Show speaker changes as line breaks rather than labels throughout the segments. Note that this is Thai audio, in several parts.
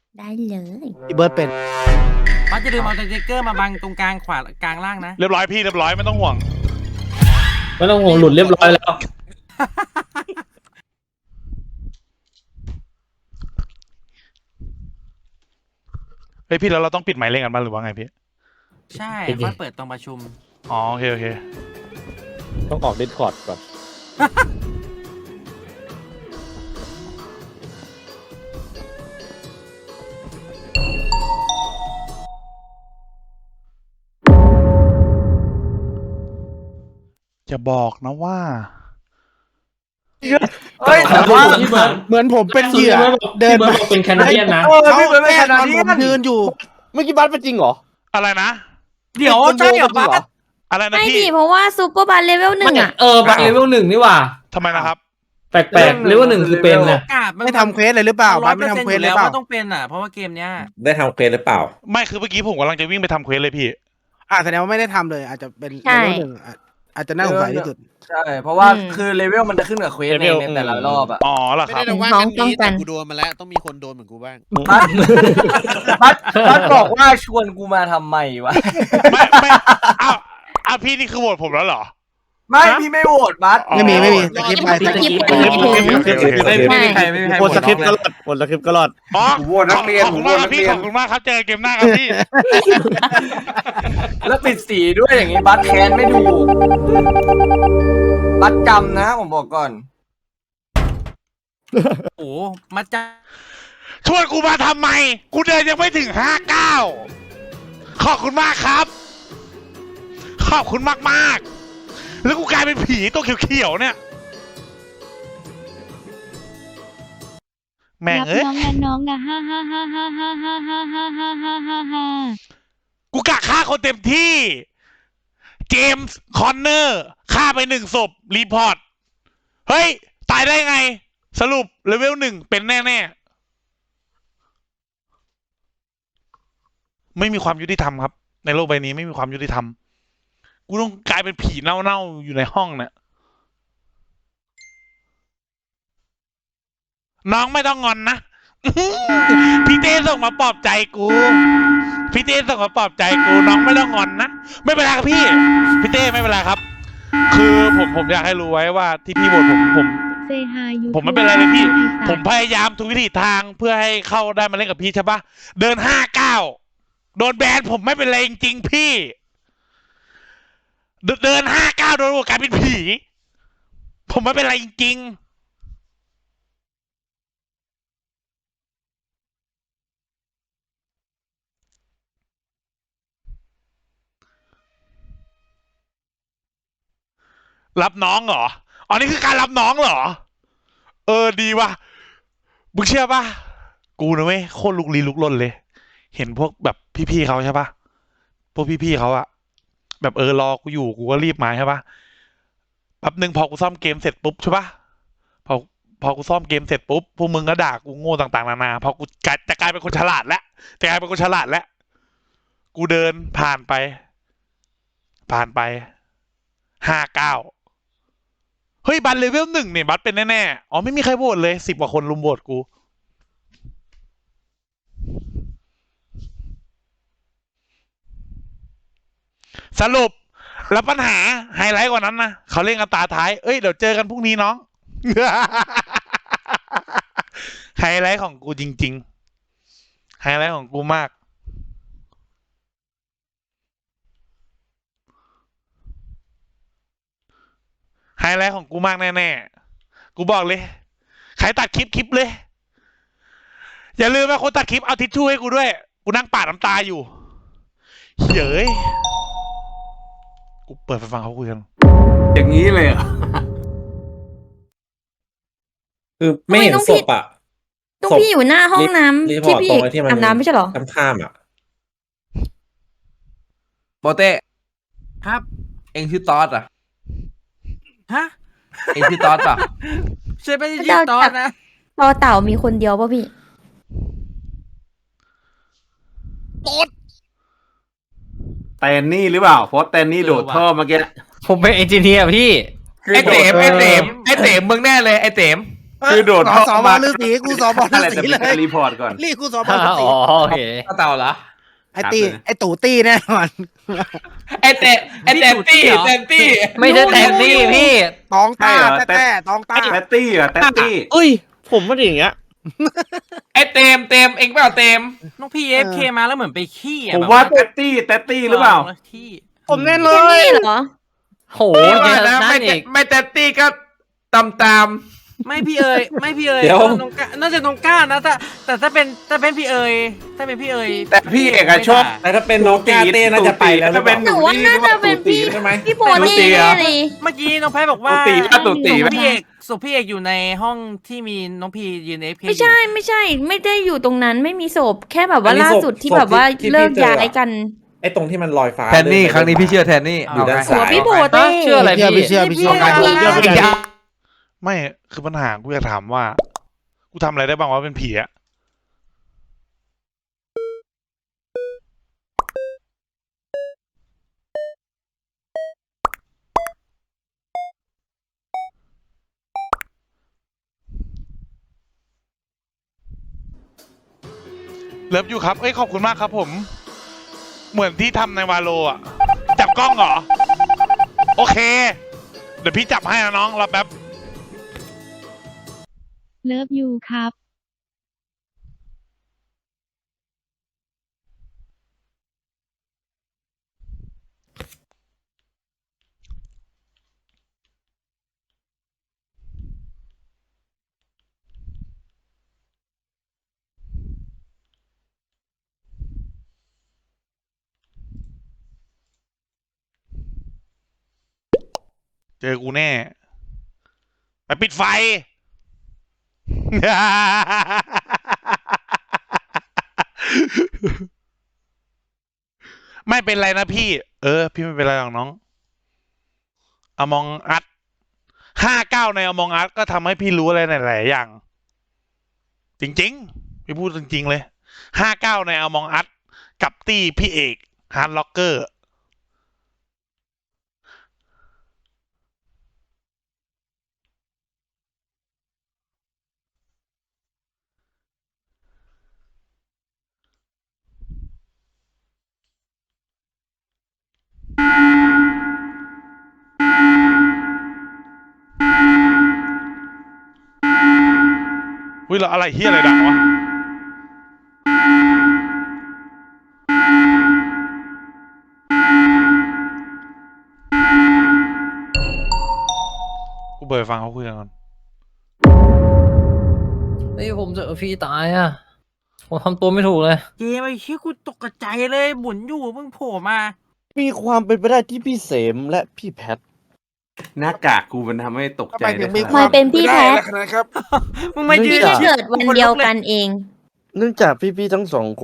ได้เลย
พี่เบิร์ดเป็น
บัสจะลืมเอาสติ๊กเกอร์มาบังตรงกลางขวากลางล่างนะ
เรียบร้อยพี่เรียบร้อยไม่ต้องห่วง
ไม่ต้องห่วงหลุดเรียบร้อยแล้ว
เฮ้ยพี่แล้วเราต้องปิดไมค์เล่นกันบ้างหรือว่าไงพี่
ใช่
จริงๆ
บัสเปิดตรงประชุม
อ๋อโอเคโอเค
ต้องออกดิสคอร์ดก่อน
จะบอกนะว่า
เฮ้ย
แต่ว่าพี่เบิร์ด
เหมือนผมเป็นเหยื่อเดิ
พี่
น
เบิร์ด
มา
บอกเป็นแคนาเดียนนะ
พี่เบิร์ดเป็นขนาดนี้ผมยืนอยู่
เมื่อกี้บัสเป็นจริงเหรอ
อะไรนะ
เดี๋ยวใช่เหรอบัส
อะไรนะ
ไม่
พี่
ดิเพราะว่าซูเปอร์บาร์เลเวลหนึ่งอ่ะ
บัตรเลเวล1นี่หว่า
ทำไมนะครับ
แปลกๆเลเวล1คือเป็นนะ
กาดมัน
ไม่ทำเควสเลยหรือเปล่าบัสไม่ทำเควสเลย
แล้ว
เปล่า
ว่าต้องเป็นอ่ะเพราะว่าเกมเนี้ย
ได้ทำเควสหรือเปล่า
ไม่คือเมื่อกี้ผมกำลังจะวิ่งไปทำเควสเลยพี่
แสดงว่าไม่ได้ทำเลย อาจจะเป็น
ใช่
เลเวลหนึ่งอาจจะน่าสงสัยที่สุด
ใช่ เพราะว่า
อืม
คือเลเวลมันจะขึ้นกับเควสในแต่ละรอบอะ
อ๋อเหรอ
ไม่
ครับ
ได้แต่ว่า
น้อง
กันนี้
ป้องกั
แต่
น
กูโดนมาแล้วต้องมีคนโดนเหมือนกูบ้าง
บัสบอกว่าชวนกูมาทำไมวะ
ไม่อ้าวพี่นี่คือโหวตผมแล้วเหรอ
ไม่พี่ไม่โหวตบัส
ไม่มีสกิปไป
สกิป
โอเคโอเคโอเค
ใช่
หมดสคริปต์ก็รอดหมดสคริปต์ก็รอด
อ๋อ
ผมโหวตนักเรียน
ขอบคุณมากครับพี่ขอบคุณมากครับเจอกันเกมหน้าครับพี่
แล้วปิดสีด้วยอย่างงี้บัสแค้นไม่ถูกบัสจำนะผมบอกก่อน
โอ้มาจ้า
ชวนกูมาทำไม กูเดินยังไม่ถึง59ขอบคุณมากครับ ขอบคุณมากๆแล้วกูกลายเป็นผีตัวเขียวๆเนี่ย แม่ง
รับ
เอ้ย
น้องนะน้องนะฮ่าฮ่าฮ่าฮ่าฮ่าฮ่าฮ่าฮ่าฮ่าฮ่าฮ่าฮ่า
กูกะฆ่าคนเต็มที่ เจมส์คอนเนอร์ฆ่าไป1 ศพ รีพอร์ต เฮ้ย ตายได้ไง สรุปเลเวล1เป็นแน่ๆ ไม่มีความยุติธรรมครับ ในโลกใบนี้ไม่มีความยุติธรรม กูต้องกลายเป็นผีเน่าๆ อยู่ในห้องเนี่ยน้องไม่ต้องงอนนะ พี่เต้ส่งมาปลอบใจกู พี่เต้ส่งมาปลอบใจกูน้องไม่ต้องงอนนะ ไม่เป็นไรครับพี่เต้ไม่เป็นไรครับ คือผมอยากให้รู้ไว้ว่าที่พี่บ่นผม
เซฮายู
ผมไม่เป็นไรเลยพี่ ผมพยายามทุกวิถีทางเพื่อให้เข้าได้มาเล่นกับพี่ใช่ปะเดิน59โดนแบนผมไม่เป็นไรจริงๆพี่ เดิน59โดนกลายเป็นผี ผมไม่เป็นไรจริงๆรับน้องเหรออ๋อนี่คือการรับน้องเหรอ ดีว่ะมึงเชื่อป่ะกูนะเว้ยโคตรลุกลี้ลุกลนเลย เห็นพวกแบบพี่ๆเขาใช่ป่ะพวกพี่ๆเขาอะแบบรอกูอยู่กูก็รีบมาใช่ป่ะแป๊บนึงพอกูซ่อมเกมเสร็จปุ๊บใช่ป่ะพอกูซ่อมเกมเสร็จปุ๊บพวกมึงก็ด่ากูโง่ต่างๆนานาพอกูจะกลายเป็นคนฉลาดแล้วกูเดินผ่านไป59เฮ้ยบัตรเลเวล1เนี่ยบัตรเป็นแน่ๆอ๋อไม่มีใครโหวตเลย10 กว่าคนลุมโหวตกูสรุปแล้วปัญหาไฮไลท์กว่านั้นนะเขาเล่นกันตาท้ายเอ้ยเดี๋ยวเจอกันพรุ่งนี้น้อง ไฮไลท์ของกูจริงๆไฮไลท์ของกูมากไฮไลท์ของกูมากแน่ๆกูบอกเลยใครตัดคลิปเลยอย่าลืมนะคนตัดคลิปเอาทิชชู่ให้กูด้วยกูนั่งปาดน้ำตาอยู่เฮ้ยกูเปิดไปฟังเขาคุยกัน
อย่างนี้เลยเหรอ
คือไม่เห็นศพอ่ะ
ต้องพี่อยู่หน้าห้องน้ำ
รีพอ
ที่
ร์ต
พี่
ตรงไอ้ที่มัน
อาบน้ำไม่ใช่เหรอ
ข้ามๆอ่ะ
โปเต้
ครับ
เองชื่อตอสอ่ะ
ฮะ
เองชื่อตอสอ่ะ
ใช่ไม่ใช่ชื่อตอนนะ
รอเต่ามีคนเดียวป่ะพี่
แตนนี่หรือเปล่าเพราะแตนนี่โดดท่อเมื่อกี้
ผมเป็นเอนจิเนียร์พี่
ไอเต๋มมึงแน่เลยไอเต๋ม
คือโดด
ส
เข้า
สบ
มา
ฤาษีกูสบฤา
อะไร
ษี
แต่
เล
เป็น
ย
รีพอร์ตก่อน
รีบกูสบฤาษี
โอเคเต่าเหรอ
ไอ้ตีไอ้ตู่ตี้แน่นอน
ไอเตะเต็มตี้
ไม่ใช่แทนนี่พี่
ตองต้า
ใช่เหรอ
แต้ตองต้า
แตตตี้เหรอแตตตี้
เอ้ย ผมไม่ได้อย่างเงี้ย
ไอเต็มเองเปล่าเต็ม
น้องพี่เอฟเคมาแล้วเหมือนไปขี้อ่ะ
ผม
แบบ
ว่าแตตตี้หรือเปล่า
ขี้
ผมแน่เล
แค่
ย
นี้เหรอ
โห
พี่
เย
ว่า
อะ
นะ
นั่นอีก
ไม่เต็มตี้ก็ตาม
ไม่พี่เอ๋ยน้องก้าน่าจะน้องก้านะแต่ถ้าเป็นพี่เอ๋ยถ้าเป็นพี่เอ๋ย
แต่พี่เอกอะชอบ
แต่ถ้าเป็นน้องกาเต้น่าจะไปแล้วหรือเปล่า
หนูว่าน่าจะเป็นพี่
ใช่ไหม
พี่โบนี่แน่เลย
เมื่อกี้น้องแพ้บอกว่า
ตู่ตีไหม
พี่เอกสุพี่เอกอยู่ในห้องที่มีน้องพียืนเอฟเค
ไม่ใช่ไม่ได้อยู่ตรงนั้นไม่มีศพแค่แบบว่าล่าสุดที่แบบว่าเลิกย้ายกัน
ไอ้ตรงที่มันลอยฟ้า
แทนนี่ครั้งนี้พี่เชื่อแทนนี่
อยู่ด้าน
หั
ซ้า
วย พี่โบเต้
เชื่ออะไร
พี่เชื่อพี่เชื่อ
ไม่คือปัญหากูอยากถามว่า กูทำอะไรได้บ้างวะเป็นผีอะเลิฟอยู่ครับเอ้ยขอบคุณมากครับผม เหมือนที่ทำในวาโลอะจับกล้องเหรอ โอเค เดี๋ยวพี่จับให้นะน้องรอแป๊บ
เลิฟยูครับ
เจอกูแน่ ไปปิดไฟ ไม่เป็นไรนะพี่ พี่ไม่เป็นไรหรอกน้องอมองอัด59ในอมองอัดก็ทำให้พี่รู้อะไรหลายๆอย่าง จริงๆ พี่พูดจริงๆเลย59ในอมองอัดกับตี้พี่เอกฮาร์ดล็อกเกอร์อุ้ยแล้วอะไรเฮียอะไรดังวะ กูเปิดฟังเขาคุยกันก่อน
นี่ผมเจอพี่ตายอ่ะ ผมทำตัวไม่ถูกเลย
เกมไอ้เชี่ยกูตกใจเลยหมุนอยู่เพิ่งโผล่มา
มีความเป็นไปได้ที่พี่เสมและพี่แพท
หน้ากากกูมันทำให้ตกใจ
ทำไมถึงมี
ได้
มาเป็นพี่แพท
นะครับ
มึงมายื
พี่
น
ที่เกิดวันเดียวกันเอง
เนื่องจากพี่ๆทั้งสองคน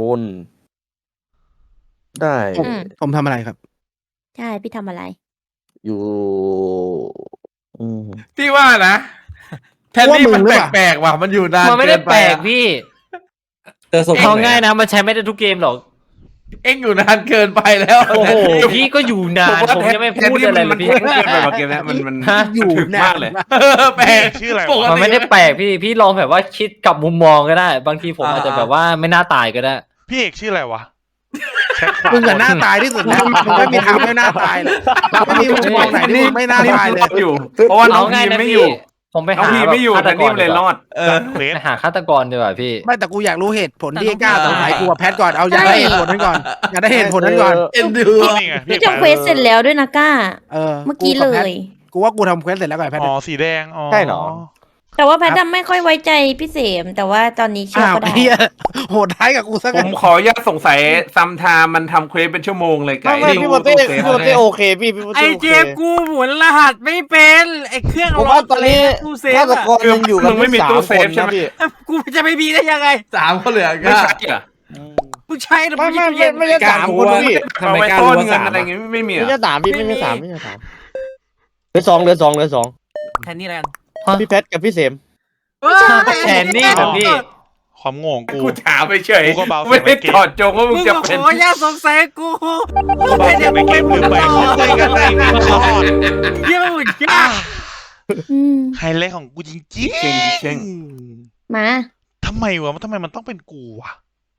ได้
ผมทำอะไรครับ
ใช่พี่ทำอะไร
อยู่
ๆพี่ว่านะแทนนี่มันแปลกๆว่ะมันอยู่นาน
มันไม่ได้แปลกพี่
เจอศพ
เอาง่ายนะมันใช้ไม่ได้ทุกเกมหรอก
เอ็งอยู่นานเกินไปแล้ว
โอ้โห พี่ก็อยู่นาน ผมยังไม่พูดอะไรเลยพี่
มันเกินไปกว่าเกมนี้มัน
ฮะ
อยู่
ถึก
นาม
ากเลย
แปลก
ชื่ออะไร
ปก
วะ
ติ
มันไม่ได้แปลกพี่ลองแบบว่าคิดกับมุมมองก็ได้ บางทีผมอาจจะแบบว่าไม่น่าตายก็ได้
พี่เอกชื่ออะไรวะแชทขวา
มึงอะหน้าตายที่สุดแล้วมึงไม่มีทางไม่หน้าตายหรอกไม่มีมุมมองไหนที่มึงไม่น่าตายเลย
อยู่ เพราะว่าน้อง
เอาง่าย
พี
นะ
ไม่
พี่
อยู่
ผมไป
น้อง
หา
พีไม่อยู่
ฆาต
แต่
ก
นี่
ร
มันเลยรอด
เควส
ไปหาฆาตกรดีกว่าพี่
ไม่แต่กูอยากรู้เหตุผลที่ไอ้กล้าสงสัยกูกับแพทก่อนเอาอยากได้เหตุผลนั้นก่อนอยากได้เหตุผลนั้นก่อน
เอ็นดู
นี่ไง
พี่ทำเควสเสร็จแล้วด้วยนะก้า เมื่อกี้เลย
กูว่ากูทำเควสเสร็จแล้วกับไอ้แพท
อ๋อสีแดงอ๋อ
ใช่เหรอ
แต่ว่าแพทย์ไม่ค่อยไว้ใจพี่เสม แต่ว่าตอนนี้เชื่อ
อ้าว
ก็ได้
เฮียโหดท้ายกับกูซะ
ผ
งั้น
มขออนุญาตสงสัยซัมไทม์มันทำเควสเป็นชั่วโมงเลยไก่
ไม่พี่โมเต้โอเคพี่โม
ไอ้
เต้โอ
เจ
เค
มกูหมุนรหัสไม่เป็นไอ้เครื่อง
ผมว่าตอนนี้
ตู้เซฟ
ฆาต
อะ
กรยังอยู่กัน
มึงไม่มีตู้เซฟใช่ไหม
พี่
กูจะไม่มีได้ยังไง
3คนเหลือ
ไม่
ก็
ใช่เหรอ
มึงใช้หรือ
ไม่
มึง
ไม่ใช่สามคนพี่
เอาไว้ต้นเงินอะไรเงี้ยไม่มีเหร
ไม่
อ
ใช่สามพี่ไม่ใช่สามเหลือสอง
แทนนี่แล้วกัน
พี่แพทกับพี่เสม
แทนนี่เหรอพี่
ความโง่ของกู
กูถามไปเฉย
กูก็เบาเสี
ไม่
ยงไป
ได้
เกม
ถอดจงว่ามึ
มึ
ง
ง
จะ
ก็
เป็น
ขออย่าสงสัยกู
กูบอกเสียงไปเกมลืมไปเขาคุยกันในวินรอด
เยี่ยมหมุนยาก
ไฮไลท์ของกูจริง
เช่งเช่ง
ๆ
มา
ทำไมวะทำไมมันต้องเป็นกูวะ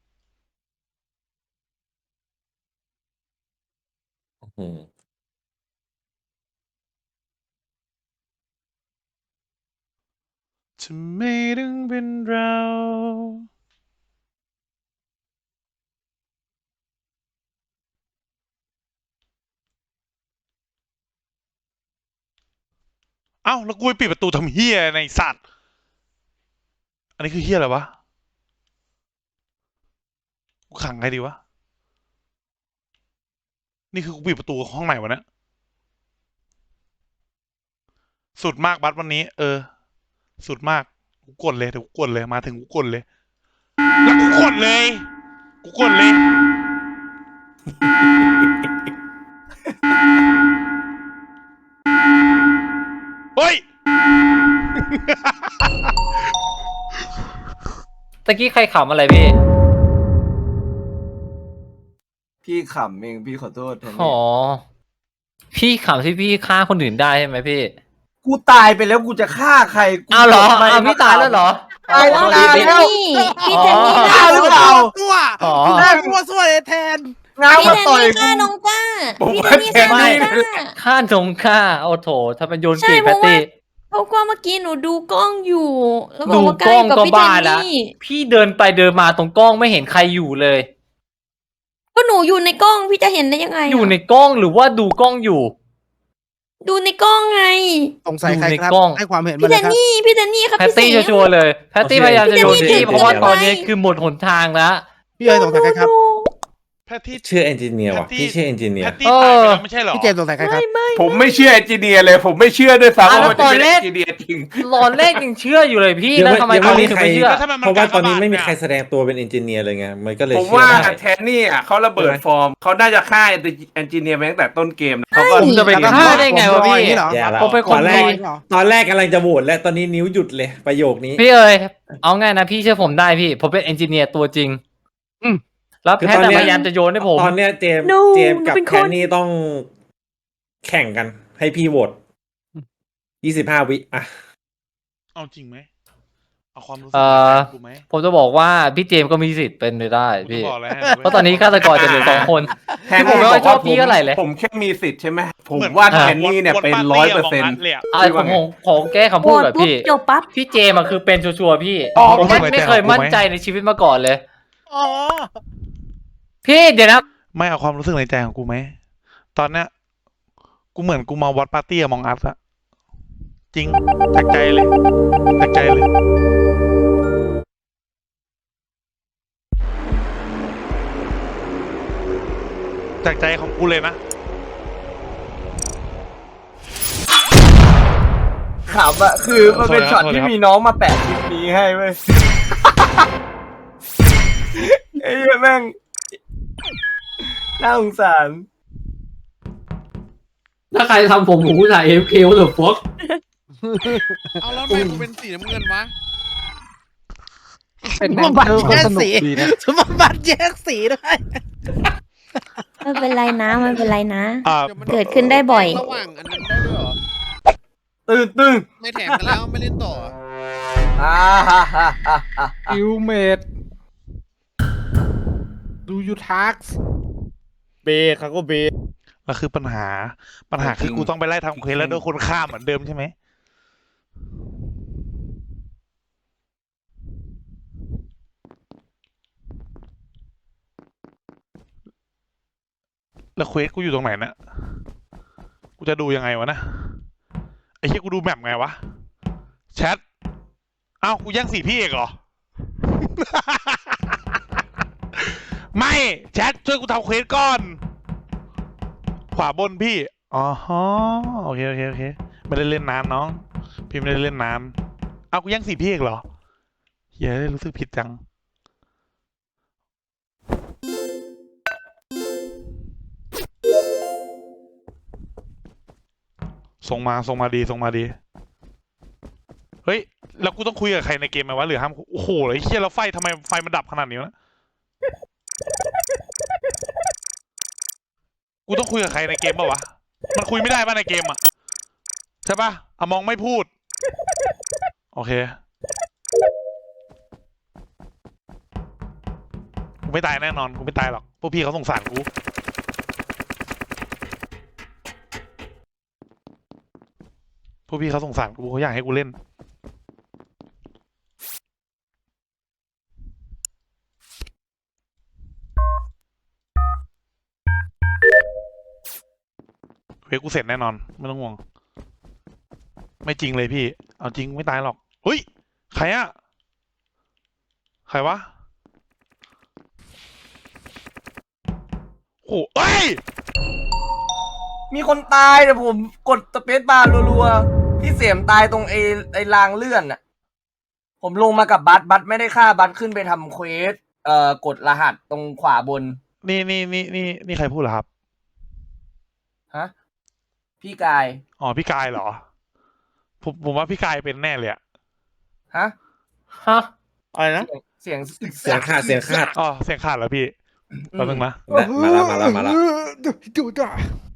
ทำไมถึงเป็นเราเอ้าแล้วกูไปปิดประตูทำเฮียในสัตว์อันนี้คือเฮียอะไรวะกูขังไงดีวะนี่คือกูปิดประตูห้องไหนวะเนี่ยสุดมากบัสวันนี้สุดมากกูกดเลยเดี๋ยวกูกดเลยมาถึงกูกดเลยแล้วกูกดเลยเฮ้ย
ตะกี้ใครขำอะไรพี่
พี่ขำเองพี่ขอโทษแทน
อ๋อ พี่ขำที่พี่ฆ่าคนอื่นได้ใช่ไหมพี่
กูตายไปแล้วกูจะฆ่าใครกู
อ้าวเหรอ
ทำไม
อ้าวพี่ตายแล้วเหรอ
ตายแล้ว
พี่
ตาย
เจน
แล้ว
นี่พี่เจนนี่
อ๋อ
ฆ่า
หรือเปล่า
ตัว
อ๋อ
แม่ตัวสวยแทน
ง้าว
พี่
มา
เจน
ต่อย
นี่
กู
ฆ่าน้องก้า
ผม
พี่
ว่า
เจนนี่ฆ่าน้อง
แทนนี่
ก้า
ฆ่าจงฆ่าโอ้โถถ้าเป็นโยน
ใช่
เก่ง
เพ
แพต
ราะว่า
ตี้
เพราะว่าเมื่อกี้หนูดูกล้องอยู่ แล้วบอ
ดู
กว่าใก
ก
ล้
ล้อง
กับ
ก็
พี่เจ
บ้าน ละ
นี่
พี่เดินไปเดินมาตรงกล้องไม่เห็นใครอยู่เลย
ก็หนูอยู่ในกล้องพี่จะเห็นได้ยังไงะ
อยู่ในกล้องหรือว่าดูกล้องอยู่
ดูในกล้องไง
สงสัยใครครับ
ดูในกล้อง
ให้ความเห็นมา
พี่
เล
เจ
ย
น
ครับ
นี่พี่เจนนี่ครับ
แพต
พี่เส
ตี้
ม
ชัวร์ๆเลยแพตตี้พยายามจะโยน
พี่
ที่
เจนนี่
เพราะว่า
เกินไป
ตอนนี้คือหมดหนทางแล้ว
พี่เอ๋สงสัยใครครับ
แพทที่
ชื่อเอนจิเนียร์ว่ะ
แพตตี้
พี่ชื่อเอนจิเนีย
แพ
ร์
ตตี้ตายไปแล้วไม่ใช่เหรอ
พี่เจมส์สงสัยใครครับ
ผมไม่เชื่อเอนจิเนียร์เลย ผมไม่เชื่อด้วยซ้ำ
อ้าว
ว่ามันจะเป็น
แล้วตอนแร
เอก นจิเนียร์จริง
ตอนแรกยังเชื่ออยู่เลยพี่
ยัง
แล้ว
ไม่
ทำไม
ยัง
ตอน
ไม่
นี้
มี
ถึง
ใคร
ไม่เชื่อ
แล้วทำไมมัน
เพราะว่าตอนนี้
กากบาท
ไม่มี
เนี่ย
ใครแสดงตัวเป็นเอนจิเนียร์เลยไงมันก็เลย
ผม
เชื่อ
ว่า
ได้
แทนนี่อ่ะเขาระเบิดฟอร์มเขาน่าจะฆ่าเอนจิเนียร์มาตั้งแต่ต้นเกมนะเขาก็
ผมจะไปฆ่าได้ไงวะพี่
อย่างนี้เหรอ
แย่ละ
ผมเป็นคน
ตอนแรก
ดี
ตอนแรกกำลังจะโหวตแล้วตอนนี้นิ้วหยุดเลยประโยคนี้
พี่เอ๋ยเอาไงนะพี่เชื่อผมได้พี่ ผมเป็นเอนจิเนียร์ตัวจริง แล้ว
คือ
แพท
ตอน
ย์
เนี้ย
พยายามจะโยนให้ผม
ตอนเนี้ยเจมส์
No
เจมส์กับ
หนูเป็น
แค
คน
นนี่ต้องแข่งกัน ให้พี่โหวต25 วิอ่ะ
เอาจริงไหมเอาความรู้สึก
เอ่อ
ในใจกูไหม
ผมจะบอกว่าพี่เจมส์ก็มีสิทธิ์เป็นไปได้
กูจะ
พี่
บอกอะไรให้
เพราะตอนนี้ฆาตกรจะเหลือ2 คน
แทน
ผม
นี่
ไม่
บ
ค่
อ
อย
ก
ชอบพี่เท่าไหร่เลย
ผมแค่มีสิทธิ์ใช่ไหมผม
เหมือน
ว่าแทนนี่เนี่ยเป็น
ว
100%
ปาตี้ะมองอัดเลยอะ
อ่ะผมขอแก้คำ
โห
พู
ว
ด
ต
แบบ
ปุ๊บ
พี่
จบปั๊บ
พี่เจมส์อะคือเป็นชัวร์ๆพี่
อ๋อ
ผมไม่เคยมั่นใจในชีวิตมาก่อนเลย
อ๋อ
พี่เดี๋ยวนะ
ไม่เอาความรู้สึกในใจของกูไหมตอนเนี้ยกูเหมือนกูมาวัดปาร์ตี้อะมองอัดอะจริงจากใจเลยจากใจเลยจากใจของกูเลยนะ
ขำอะคือมันเป็นช็อตที่มีน้องมาแปะคลิปนี้ให้เว้ยไอ้เหี้ยแม่งน่าสงสาร
ถ้าใครทำผมผู้ชาย AFK หรือฟอก
เอาแล้วทำไมกูเป็นสีน้ำเงินวะ
เป็นสมบัติแยกสีสมบัติแยกสีด้วย
ไม่เป็นไรนะไม่เป็นไรนะ
อ่า
ดี๋ยวมัน
เกิดขึ้นได้บ่อย
ระหว่างอันนั้นได้ด้วยเหรอ
ตึ้ง
ไม่แถมกันแล้วไม่เล่นต่อ
อ่าฮ่าฮ่าฮ่าฮ่า
อิวเมดดูยูทัก
เบครับก็เบ
แล้วคือปัญหาคือกูต้องไปไล่ทำเควสแล้วโดนคนฆ่าเหมือนเดิมใช่ไหมแล้วเควสกูอยู่ตรงไหนนะกูจะดูยังไงวะนะไอ้เหี้ยกูดูแมปไงวะแชทเอ้ากูแย่งสีพี่เอกเหรอ ไม่แชทช่วยกูทำเควสก่อน ขวาบนพี่อ๋อโอเคไม่ได้เล่นนานน้องพี่ไม่ได้เล่นนานเอากูแย่งสีพี่เอกเหรอเฮ้ยรู้สึกผิดจังส่งมาดีเฮ้ยแล้วกูต้องคุยกับใครในเกมไหมวะหรือห้ามโอ้โหไอ้เหี้ยแล้วไฟทำไมไฟมันดับขนาดนี้วะกูต้องคุยกับใครในเกมป่าวะมันคุยไม่ได้ป่ะในเกมอ่ะใช่ปะอะมองไม่พูด โอเคกูไม่ตายแน่นอนกูไม่ตายหรอกพวกพี่เขาสงสารกูพวกพี่เขาสงสารกูเขาอยากให้กูเล่นเฮ้ยกูเสร็จแน่นอนไม่ต้องห่วงไม่จริงเลยพี่เอาจริงไม่ตายหรอกเฮ้ยใครอะใครวะโอ้เอ้ย
มีคนตายแต่ผมกดสเปซบาร์รัวๆพี่เสียมตายตรงไอ้รางเลื่อนน่ะผมลงมากับบัสไม่ได้ฆ่าบัสขึ้นไปทำเควสกดรหัสตรงขวาบน
นี่ใครพูดเหรอครับ
ฮะพี่กาย
อ๋อพี่กายเหรอผมว่าพี่กายเป็นแน่เลยอะ
ฮะ
ฮะ
อะไรนะ
เสียง
เสียงขาดเสียงขาด
อ๋อเสียงขาดแล้วพี่แป๊บนึงนะ
มาแล้ว
ดูด่า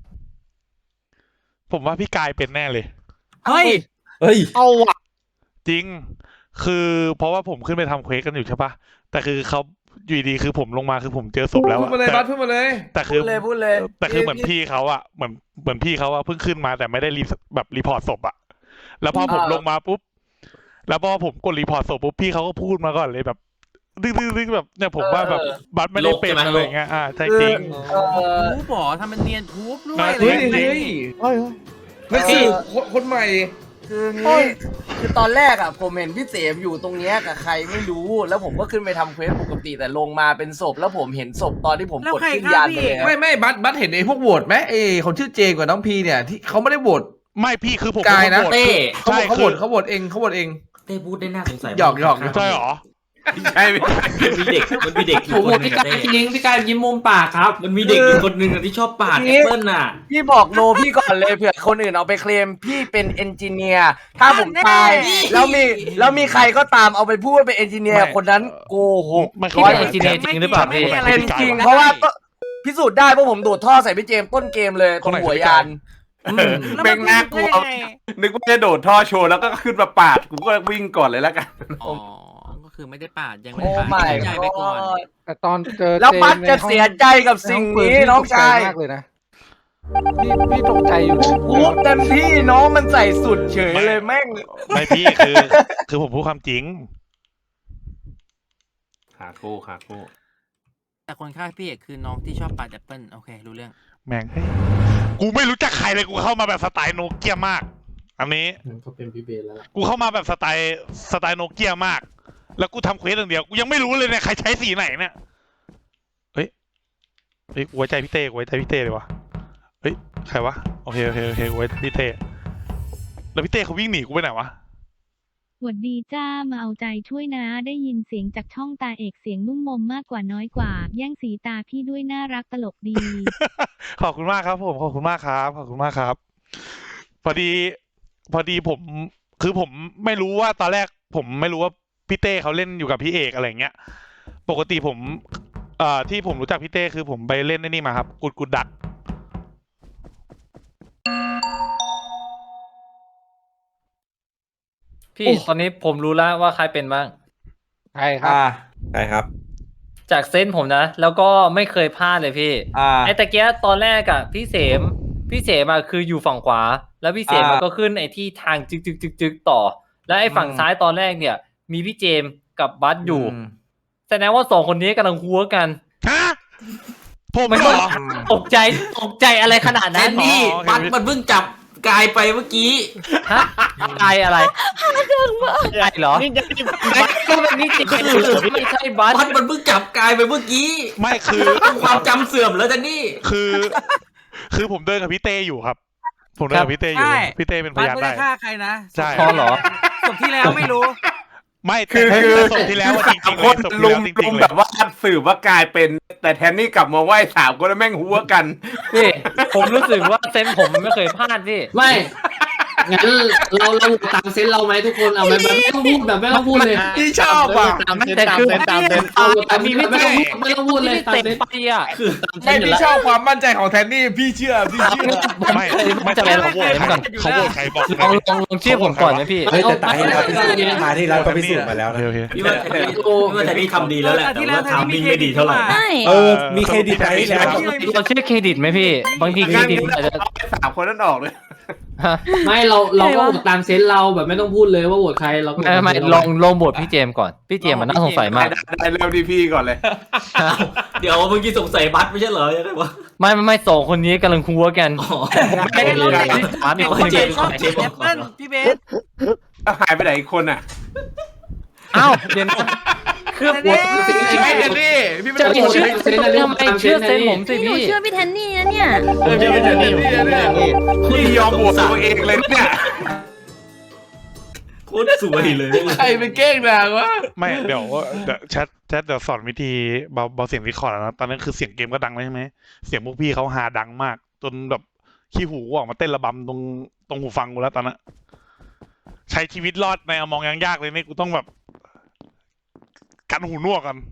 ผมว่าพี่กายเป็นแน่เลย
เฮ้ย
เฮ้ย
เอาว่ะ
จริงคือเพราะว่าผมขึ้นไปทำเควสกันอยู่ใช่ปะแต่คือเขาอยู่ดีคือผมลงมาคือผมเจอศพแล้ว
พูดมาเลยบัสพูดมาเลย
แต่คื
พู
อ
ดเลย
แต่คือเหมือนพี่เขาอะเหมือนพี่เขาอะเพิ่งขึ้นมาแต่ไม่ได้รีพอร์ตศพอะแล้วพอผมลงมาปุ๊บแล้วพอผมกดรีพอร์ตศพปุ๊บพี่เขาก็พูดมาก่อนเลยแบบดึงแบบเนี่ยผมว่าแบบบัตรไม่ได้เป็นอะไรเงี้ยใช่จริง
ทูบหรอทำมันเนียนทูบด้วย
เฮ้ย
อะไร
เฮ้ย
เฮ้ย
นั่นคือคนใหม่
คืองี้คือตอนแรกอ่ะผมเห็นพี่เสมอยู่ตรงเนี้ยกับใครไม่รู้แล้วผมก็ขึ้นไปทำเควสปกติแต่ลงมาเป็นศพแล้วผมเห็นศพตอนที่ผมกดขึ้นยานไปแล้ว
ไม่บัสเห็นไอ้พวกโหวตไหมไอ้คนชื่อเจกับน้องพีเนี่ยที่เขาไม่ได้โหวต
ไม่พี่คือผม
กายนะ
โหวต
เต้
ใช่
เขา
คือ
โหวตเอง
เต้พูดได้น่าสงสัย
หยอก
ใช่หรอ
ใช่ไหม
มันมีเด็ก
ผมบอกพี่กายจริงพี่กายยิ้มมุมปากครับ
มันมีเด็กอยู่คนหนึ่งที่ชอบปาดแอปเปิ้ลน่ะพี่บอกโนพี่ก่อนเลยเผื่อคนอื่นเอาไปเคลมพี่เป็นเอนจิเนียร์ถ้าผมตายแล้วมีใครก็ตามเอาไปพูดว่าเป็นเอนจิเนียร์คนนั้นโกหก
ไม่
พี่เป็นเอนจิเนียร์จริงหรือเปล่าพี่
เป็นจริงเพราะว่าพิสูจน์ได้เพราะผมโดดท่อใส่พี่เจมส์ต้นเกมเลยตรงหัวยาน
เป็นน่ากลัวนึกว่าจะโดดท่อโชว์แล้วก็ขึ้นมาปาดกูก็วิ่งก่อนเลยแล้วกัน
อ๋อก็คือไม่ได้ปาดยัง
โอ้ไม่
ใจไปก่อน
แต่ตอนเจอ
แล้วบัสจะเสียใจกับสิ่งนี้น้องชาย
มากเลยนะพี่ตกใจอยู่นะ
พูดเต็มที่น้องมันใส่สุดเฉยเลยแม่ง
ไม่พี่คือผมพูดความจริง
ขาคู่
แต่คนฆ่าพี่เอกคือน้องที่ชอบปาดแอปเปิ้ลโอเครู้เรื่อง
แม่งเฮ้ยกูไม่รู้จักใครเลยกูเข้ามาแบบสไตล์โนเกียมากอันนี้เขาเป็นพี่เบนแล้วกูเข้ามาแบบสไตล์โนเกียมาก แล้วกูทำเควสอย่างเดียวกูยังไม่รู้เลยเนี่ยใครใช้สีไหนเนี่ยเฮ้ยกูไว้ใจพี่เต้เลยวะเฮ้ยใครวะโอเคกูไว้พี่เต้แล้วพี่เต้เขาวิ่งหนีกูไปไหนวะ
หวัดดีจ้ามาเอาใจช่วยนะได้ยินเสียงจากช่องตาเอกเสียงนุ่มมมมากกว่าน้อยกว่าแย่งสีตาพี่ด้วยน่ารักตลกดี
ขอบคุณมากครับผมขอบคุณมากครับพอดีผมไม่รู้ว่าตอนแรกผมไม่รู้ว่าพี่เต้เขาเล่นอยู่กับพี่เอกอะไรเงี้ยปกติผมที่ผมรู้จักพี่เต้คือผมไปเล่นไอ้นี่มาครับกุดดัก
พี่ตอนนี้ผมรู้แล้วว่าใครเป็นบ้าง
ใช่ครับ
ใช่ครับ
จากเซนส์ผมนะ แล้วก็ไม่เคยพลาดเลยพี่ไอ้ตะเกียตอนแรกอะพี่เสมอะคืออยู่ฝั่งขวา แล้วพี่เสมมันก็ขึ้นไอ้ที่ทางจึกต่อ แล้วไอ้ฝั่งซ้ายตอนแรกเนี่ย มีพี่เจมส์กับบัสอยู่แสดงว่าสองคนนี้กำลังหัวกัน
ฮะผม
มัน
เหร
ก็
อ
ตกใจอะไรขนาดนั้น
นี่
บัสมันเพิ่งจับกายไปเมื่อกี้
ฮะกายอะไรกายเหรอ
นี่จะ
บัสก็เป็นนี่จริงไม่ใช่บัส
บัสมันเพิ่งจับกายไปเมื่อกี้
ไม่คือ
ความจำเสื่อมแล้วจ้ะนี่
คือผมเดินกับพี่เต้อยู่ครับ ผมเดินกับพี่เต้อยู่พี่เต้เป็นพ
บัส
ยาน
ไม่
ได้
ได้ฆ่าใครนะ
ใช่
พอเหรอ
ศพที่แล้วไม่รู้
ไม่
คือ
แต่ศพที่แล้วอะจริงๆ
คน
ศพที่
ลุ
แล้ว
ม
จริงๆเล
แบ
ย
บว่าสืบว่ากลายเป็นแต่แทนนี่กลับมาไหว้สามคนแล้วแม่งหัวกัน
พี่ผมรู้สึกว่าเซนส์ผมไม่เคยพลาดพี่
ไม่ ไ
งั้นเราตามเซนเราไหมทุกคนเอาไหมแบบไม่ต้องพูดแบบไม่ต้องพูดเลย
พี่ชอบอ่ะ
ตามเซนตามเซนตามเซน
เอาแต่มีไม่ต้องพูดเลยตามเซน
ไปอ่ะ
คือ
ไม่พี่ชอบความมั่นใจของแทนนี่พี่เชื่อ
ไม่จะเขาโหวตใครเขาโหวตใครบอก
ลองเชื่อผมก่อนนะพี่
เฮ้ยแต่ตายที่แล้วมาที่แล้วก็พิสูจน์มาแล้วนะ
โอเค
พี่ว่าแต่นี่ทำดีแล้วแหละแต่ว่าทำมิ่งไม่ดีเท่าไหร่
ใช่
มีเครดิตไปแล้ว
เราเชื่อเครดิตไหมพี่บางทีเครดิตอาจจะ
เอาไป3 คนนั้นออกเลย
ไม่เราก็โหวตตามเซนเราแบบไม่ต้องพูดเลยว่าโหวตใครเราไม่ลองโหวตพี่เจมก่อนพี่เจมมันน่าสงสัยมาก
ได้เริ่มที่พี่ก่อนเลย
เดี๋ยวเมื่อกี้สงสัยบัตไม่ใช่เหรอยังไงวะ
ไม่สองคนนี้กำลังคัวกัน
ไม่ได้เราเด็ก
มีคน
เจ
เจ็
ม
บ
ชอบ
เจ
เจ็
ม
แอปเปิ้ลพี่เบส
หายไปไหนอีกคนอ่ะ
อ้าวเดี๋ยวนะคือโหวต
ไม่แทนนี่พี่ไม่
จะ
ต้อง
เชื่อ
โหวต
เซนนะทำไมเชื่อเซนผมสิ
หนู
พี่
เชื่อพี่แทนนี่นะเนี่ย
พี่ไม่แทนนี่เนี่ย
พี่ยอมโหวตตัวเองเลยเนี่ย
โคตรสวยเลย
ใครไปเก้งนางวะ
ไม่เดี๋ยวแชทเดี๋ยวสอนวิธีเบาเสียงรีคอร์ดนะตอนนั้นคือเสียงเกมก็ดังเลยใช่ไหมเสียงพวกพี่เขาฮาดังมากจนแบบขี้หูออกมาเต้นระบำตรงหูฟังกูแล้วตอนนั้นใช้ชีวิตรอดในอมองยังยากเลยนี่กูต้องแบบกันหูนวกกัน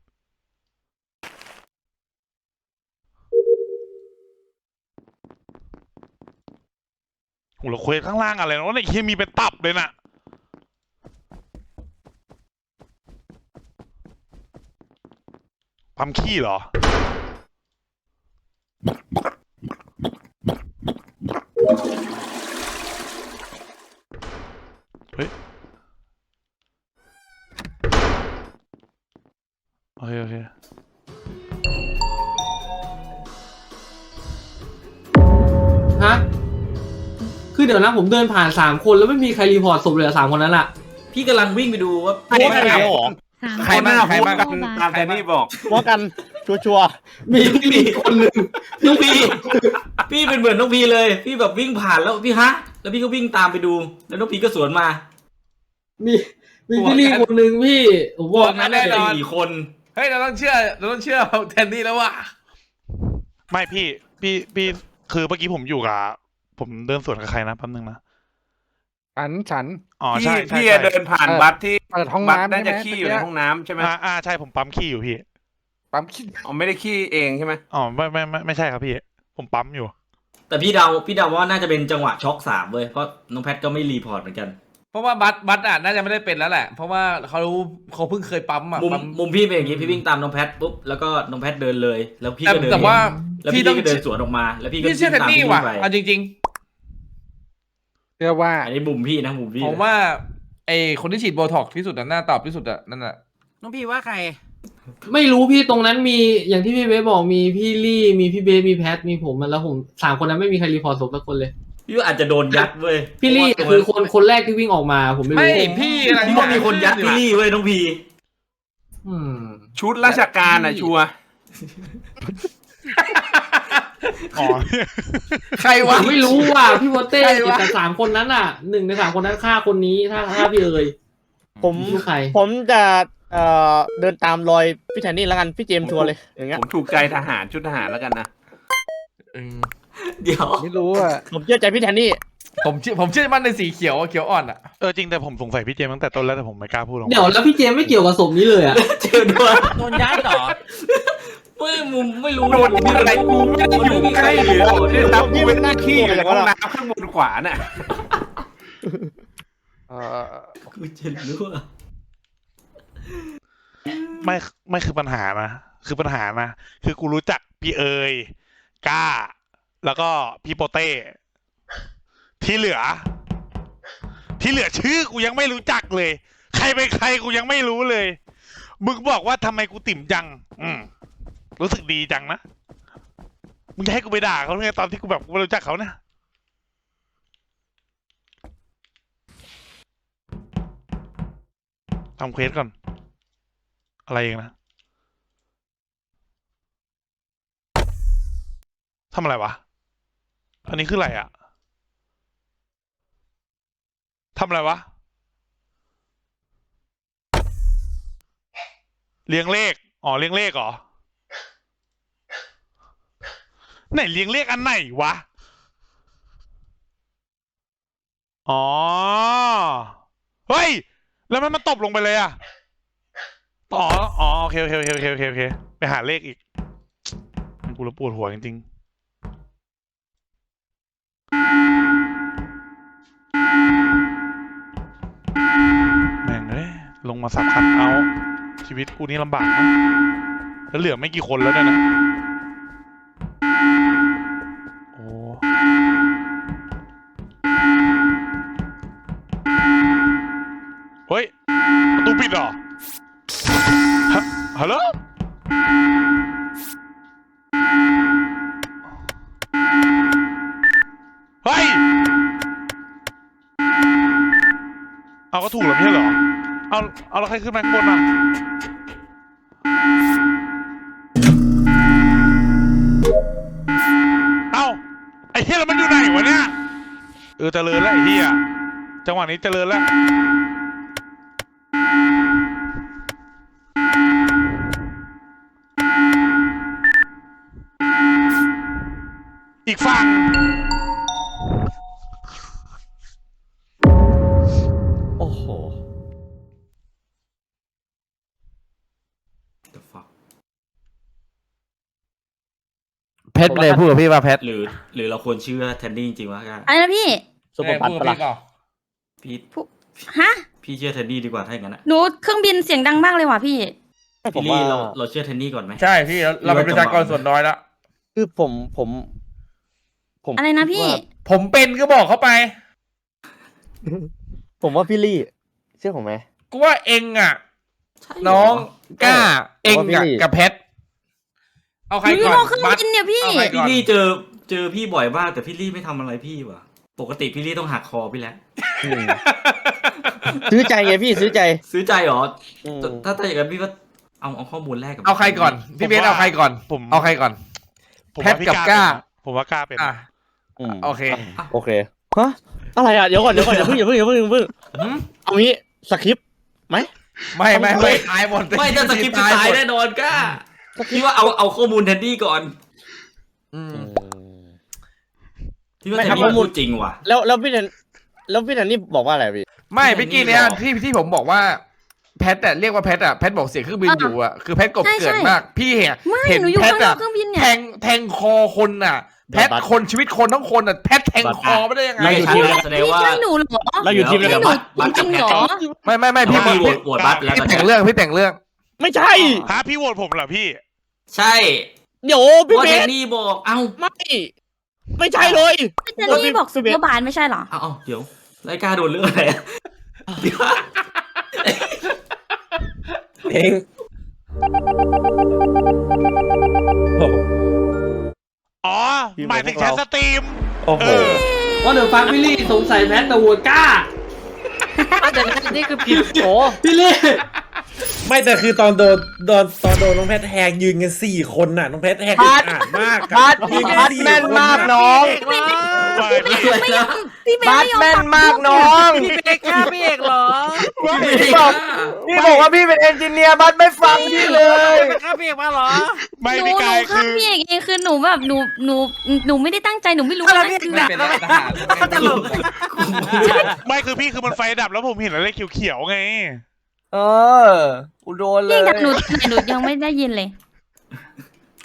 หูเราเควสข้างล่างอะไรนะว่าในเคมีเป็นตับเลยน่ะปั๊มขี้เหรอเฮ้ยโอเค
ฮะคือเดี๋ยวนะผมเดินผ่าน3 คนแล้วไม่มีใครรีพอร์ตศพเลย3 คนนั้นล่ะ
พี่กำลังวิ่งไปดูว่า
ใครบ้าง
สาม
ใครบ้างตามแทนนี่บอก
ว่ากันชัวร์
มีคนหนึ่ง
น้องพีพี่เป็นเหมือนน้องพีเลย พี่แบบวิ่งผ่านแล้วพี่ฮะแล้วพี่ก็วิ่งตามไปดูแล้วน้องพีก็สวนมา
มีพี่ลี่คนหนึ่งพี่ผมบอก
แน่นอน
4 คน
เฮ้ยเราต้องเชื่อแทนนี่แล้วว่ะ
ไม่พี่คือเมื่อกี้ผมอยู่กับผมเดินสวนกับใครนะแป๊บนึงนะ
ฉัน
อ๋อใช่
พี่เดินผ่านบัตรที่
เปิดห้อง
บัตร
น้ำ
น่าจะ
ใช่ไหม
ขี้อยู่ในห้องน้ำใช่ไหม
ใช่ผมปั๊มขี้อยู่พี่
ปั๊มขี้
อ๋อไม่ได้ขี้เองใช่ไหม
อ๋อไม่ใช่ครับพี่ผมปั๊มอยู่
แต่พี่เดาว่าน่าจะเป็นจังหวะช็อก3เว้ยเพราะน้องแพทก็ไม่รีพอร์ตเหมือนกัน
เพราะว่าบัตน่าจะไม่ได้เป็นแล้วแหละ เพราะว่าเขาเพิ่งเคยปั๊มอ่ะ
มุมพี่เป็นอย่างงี้พี่วิ่งตามน้องแพทปุ๊บแล้วก็น้องแพทเดินเลยแล้วพี่ก็เดิน
แต่ว่า
แล้วพี่ก็เดินสวนออกมาแล้วพี่ก็
พี่เชื่อแทนนี่ว่ะเอาจริง
เชื่อว่า
อันนี้มุมพี่นะมุมพี่
ๆผมว่าไอคนที่ฉีดโบท็อกซ์ที่สุดน่าตอบที่สุดอะนั่นแหละ
น้องพี่ว่าใคร
ไม่รู้พี่ตรงนั้นมีอย่างที่พี่เบสบอกมีพี่ลี่มีพี่เบสมีแพทมีผมแล้วผม3 คนนั้นไม่มีใครรีพอร์ตศพสักคนเลย
พี่ว่าอาจจะโดนยัดเว้ย
พี่ลี่คือคนแรกที่วิ่งออกมาผมไม่
ไม่
รู้
พี่อะไร
พี่ว่ามีคนยัดพี่ลี่เว้ยน้องพี
ชุดราชการอ่ะชัวร์
อ๋อ
ใครวะ
ไม่รู้ว่ะพี่โบเต้แต่3 คนนั้นอ่ะ1 ใน 3 คนนั้นฆ่าคนนี้ถ้าพี่เอ๋ย
ผม
รู้ใคร
ผมจะเดินตามรอยพี่แทนนี่แล้วกันพี่เจมส์ชัวร์เลยอย่างเงี้ย
ผมถูกใจทหารชุดทหารแล้วกันนะ
เดี๋ยว
ไม่รู้อ่ะ
ผมเชื่อใจพี่แทนนี่
ผมเชื่อมั่นในสีเขียวอ่อนอ่ะ
จริงแต่ผมสงสัยพี่เจมส์ตั้งแต่ต้นแล้วแต่ผมไม่กล้าพูดหรอก
เดี๋ยวแล้วพี่เจมไม่เกี่ยวกับศพนี้เลยอ่ะ
เจอด้วย
โดนย้ายเหรอ
ไม่รู้
โดนอะไรกูไม่ได้อยู่ใกล้หรือที่รับกูเป็นหน้าขี้อยู่ในห้องน้ำข้างบนขวาน่ะ
กูจะรู้อะ
ไม่คือปัญหานะคือกูรู้จักพี่เอ๋ยก้า แล้วก็พี่โปเต้ที่เหลือชื่อกูยังไม่รู้จักเลยใครเป็นใครกูยังไม่รู้เลยมึงบอกว่าทำไมกูติ่มจังรู้สึกดีจังนะมึงจะให้กูไปด่าเขาไงตอนที่กูแบบกูไม่รู้จักเขาเนี่ยทำเควสก่อนอะไรเองนะทำอะไรวะอันนี้คืออะไรอะทำอะไรวะเรียงเลขเรียงเลขเหรอไหนเรียงเลขอันไหนวะอ๋อเฮ้ยแล้วมันตบลงไปเลยอ่ะอ๋อโอเคไปหาเลขอีกกูละปวดหัวจริงๆแม่งเอ้ยลงมาสับคันเอาชีวิตกูนี่ลำบากนะแล้วเหลือไม่กี่คนแล้วเนี่ยนะโอ้เฮ้ยประตูปิดเหรอฮัลโหลเฮ้ยเอาก็ถูกแล้วไม่ใช่เหรอเอาแล้วใครขึ้นมาข้างบนอ่ะเอาไอ้เหี้ยแล้วมันอยู่ไหนวะเนี่ยเจริญแล้วไอ้เหี้ยจังหวะนี้เจริญแล้วอีกฝั่ง
โอ้โห The fuck
เพชรเลยพูดกับพี่ว่าเพชร
หรือเราควรเชื่อแทนดี้จริงๆวะกัน
อะไรนะพี่
ซุปเปอร์บัตปะล่ะ
พี่
ฮะ
พี่เชื่อแทนดี้ดีกว่าถ้าอย่างนั้นอะ
หนูเครื่องบินเสียงดังมากเลยว่ะพี่
พี่ลี่เราเชื่อแทนดี้ก่อนไหม
ใช่พี่เราเป็นประชากรส่วนน้อยแล้ว
คือผม
อะไรนะพี่
ผมเป็นก็บอกเขาไป
ผมว่าพี่ลี่เชื่อผมไหม
กูว่าเองอ่ะ น้องกล้าเองอ่ะกับเพชรเอาใคร
หนูอยู่
ก่อน
นอกเครื่องบินเนี่ยพี่
เอาใครก่
พี่
อน
ลี่เจอพี่บ่อยมากแต่พี่ลี่ไม่ทำอะไรพี่ว่ะปกติพี่ลี่ต้องหักคอพี่แล้ว
ซื้อใจไงพี่ซื้อใจ
ซื้อใจเหรอ
อืม
ถ้าอย่างนั้นพี่ก็เอาข้อมูลแรกกับ
เอาใครก่อนพี่เบสเอาใครก่อนเอาใครก่อน
ผม
เพ
ว่า
ชร
พี่
กับกล้า
ผมว่ากล้าเป็น
อ่ะโอเค
โอเคฮะอะไรอ่ะเดี๋ยวก่อนอย่าเพิ่งเอางี้สคริปต์ไหม
ไม่ตายหมด
ไม่ถ้าสกิปจะตายแน่นอนก้าพี่ว่าเอาข้อมูลแทนดี้ก่อนพี่ว่าแทนดี้พูดจริงว่ะ
แล้วพี่แทนนี่บอกว่าอะไรพี่
ไม่เมื่อกี้เนี้ยที่ผมบอกว่าแพทแต่เรียกว่าแพทอ่ะแพทบอกเสียงเครื่องบินอยู่อ่ะคือแพทกบเกิดมากพี่เห็น
หนูอยู่
แพท
ข้างนอ
อ่ะ
กเครื่องบินเนี่ย
แทงคอคนอ่ะแพทคนชีวิตคนทั้งคนอ่ะแพทแทงคอไม่ได้ยังไง
ไม่ใช่แสดง
พี่
ว่า
ใช่หนูเหรอ
เราอยู่ทีมเดียวกัน
บัต
จริงเหรอ
ไม่พี่
โหวตบัตแล้ว
พี่แต่งเรื่อง
ไม่ใช่
ฮะพี่โหวตผมเหรอพี่
ใช่
เดี๋ยวพี่
ว่า
เบ
แท
ส
นดี้บอกเอ้า
ไม่ใช่เลย
พี่เจนนี่บอกซุปเปอร์บาร์ไม่ใช่เหรอ
เอาเดี๋ยวรายการโดนเรื่องอะไรเดี๋ยว
เอง
อ๋อหมายถึงแชทสตรีม
โอ้โห
ว่าเดี๋ยวฟังพี่ลี่สงสัยแพทแต่วัวกล้า
แต่นี่คือผิดโอ้
พี่ลี่
ไม่แต่คือตอนโดนน้องแพทแทงยืนกัน4 คนน่ะน้องแพทแทงอึดอัดมาก
บัส
ยืนกัน
บัส
4
แม่น
คน
มาก
น่ะ
น้อง
พี่เบ
บัส
ไม่ยอม
แม่น
ฟัง
มากน้อง
พี่เอกฆ่าพี่เอกเหรอ
พี่บอกว่าพี่เป็นเอนจิเนียร์บัสไม่ฟังพี่เลย
ฆ่าพี่เอกมาเหรอ
ไม่
หนู
พี่กาย
ข้า
คื
ม
อ
พี่เอกเองคือหนูแบบหนูไม่ได้ตั้งใจหนูไม่รู้
อะไร
ว่า
พี่
คือ
เอก
แบบ
เป็นทหารตลก
ไม่คือพี่คือมันไฟดับแล้วผมเห็นอะไรเขียวๆไง
กูโดนเล
พี่
ย
ดับหนูยังไม่ได้ยินเลย